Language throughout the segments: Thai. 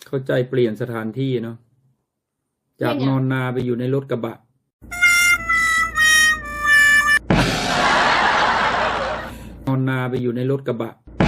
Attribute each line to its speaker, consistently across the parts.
Speaker 1: เข้าใจเปลี่ยนสถานที่เนาะจากนอนนาไปอยู่ในรถกระบะนอนนาไปอยู่ในรถกระบะ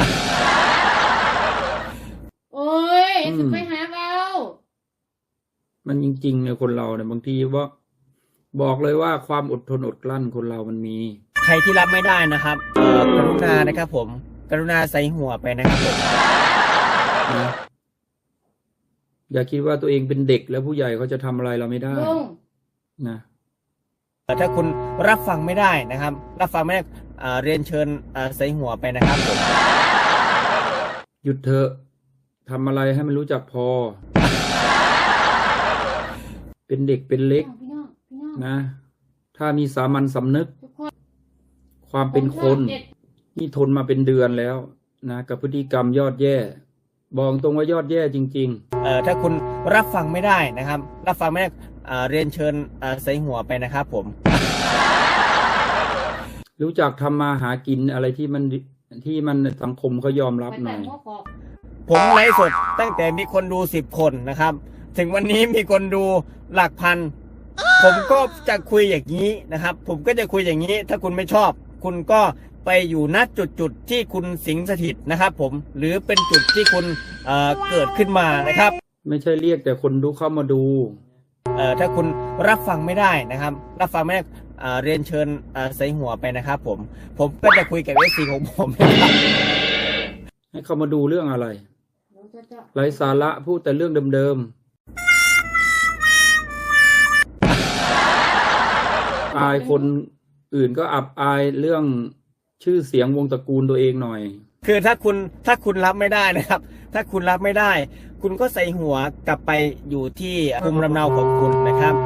Speaker 2: โอ้ยถึงไปหาเรา
Speaker 1: มันจริงๆเนี่ยคนเราเนี่ยบางทีว่าบอกเลยว่าความอดทนอดกลั้นคนเรามันมี
Speaker 3: ใครที่รับไม่ได้นะครับกรุณานะครับผมกรุณาใส่หัวไปนะครับผม
Speaker 1: นะอย่าคิดว่าตัวเองเป็นเด็กแล้วผู้ใหญ่เขาจะทำอะไรเราไม่ได้นะ
Speaker 3: ถ้าคุณรับฟังไม่ได้นะครับรับฟังไม่ได้เรียนเชิญใส่หัวไปนะครับผม
Speaker 1: หยุดเถอะทำอะไรให้มันรู้จักพอเป็นเด็กเป็นเล็กนะถ้ามีสามัญสำนึกความเป็นคนที่ทนมาเป็นเดือนแล้วนะกับพฤติกรรมยอดแย่บอกตรงว่ายอดแย่จริง
Speaker 3: ๆถ้าคุณรับฟังไม่ได้นะครับรับฟังไม่ได้เรียนเชิญใส่หัวไปนะครับผม
Speaker 1: รู้จักทำมาหากินอะไรที่มันสังคมเขายอมรับหน่อย
Speaker 3: ผมไลฟ์สดตั้งแต่มีคนดู10 คนนะครับถึงวันนี้มีคนดูหลักพันผมก็จะคุยอย่างนี้นะครับผมก็จะคุยอย่างนี้ถ้าคุณไม่ชอบคุณก็ไปอยู่ณจุดที่คุณสิงสถิตนะครับผมหรือเป็นจุดที่คุณเกิดขึ้นมานะครับ
Speaker 1: ไม่ใช่เรียกแต่คนดูเข้ามาดู
Speaker 3: ถ้าคุณรับฟังไม่ได้นะครับรับฟังไม่ได้เรียนเชิญใส่หัวไปนะครับผมก็จะคุยกับเอซีของผมนะครับ
Speaker 1: ให้เข้ามาดูเรื่องอะไรไร้สาระพูดแต่เรื่องเดิมๆอายคนอื่นก็อับอายเรื่องชื่อเสียงวงตระกูลตัวเองหน่อย
Speaker 3: คือถ้าคุณรับไม่ได้นะครับถ้าคุณรับไม่ได้คุณก็ใส่หัวกลับไปอยู่ที่ภูมิลำเนาของคุณนะครับ